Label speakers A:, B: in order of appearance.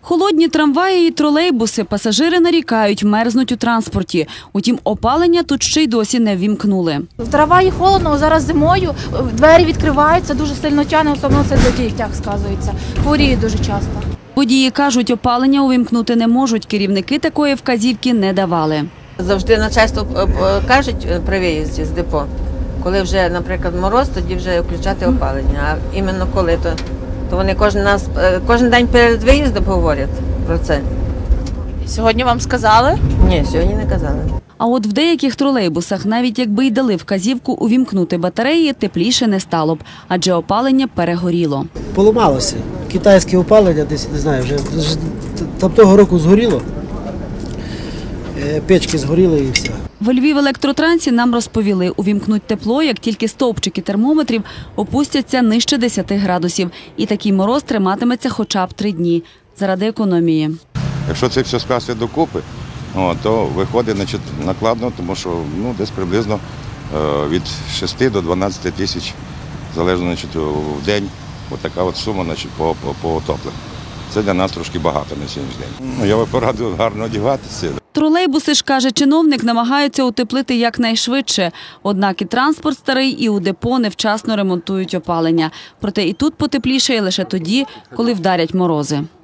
A: Холодні трамваї і тролейбуси, пасажири нарікають, мерзнуть у транспорті. Утім, опалення тут ще й досі не ввімкнули.
B: В трамваї холодно, зараз зимою, двері відкриваються, дуже сильно тягне, особливо це для дітей, сказується. Хворіють дуже часто.
A: Водії кажуть, опалення увімкнути не можуть, керівники такої вказівки не давали.
C: Завжди начальство кажуть при виїзді з депо, коли вже, наприклад, мороз, тоді вже включати опалення. А іменно коли, то вони кожен день перед виїздом говорять про це.
D: Сьогодні вам сказали?
C: Ні, сьогодні не казали.
A: А от в деяких тролейбусах, навіть якби й дали вказівку увімкнути батареї, тепліше не стало б, адже опалення перегоріло.
E: Поламалося. Китайське опалення десь, не знаю, вже там того року згоріло. Печки згоріли і все.
A: В Львів-електротрансі нам розповіли, увімкнуть тепло, як тільки стовпчики термометрів опустяться нижче 10 градусів. І такий мороз триматиметься хоча б 3 дні. Заради економії.
F: Якщо це все скласти докупи, то виходить накладно, тому що десь приблизно від 6 до 12 тисяч, залежно в день, така от сума по отопленню. Це для нас трошки багато на сьогоднішній день. Я би порадив гарно одягатися.
A: Тролейбуси ж, каже чиновник, намагаються утеплити якнайшвидше. Однак і транспорт старий, і у депо невчасно ремонтують опалення. Проте і тут потеплішає лише тоді, коли вдарять морози.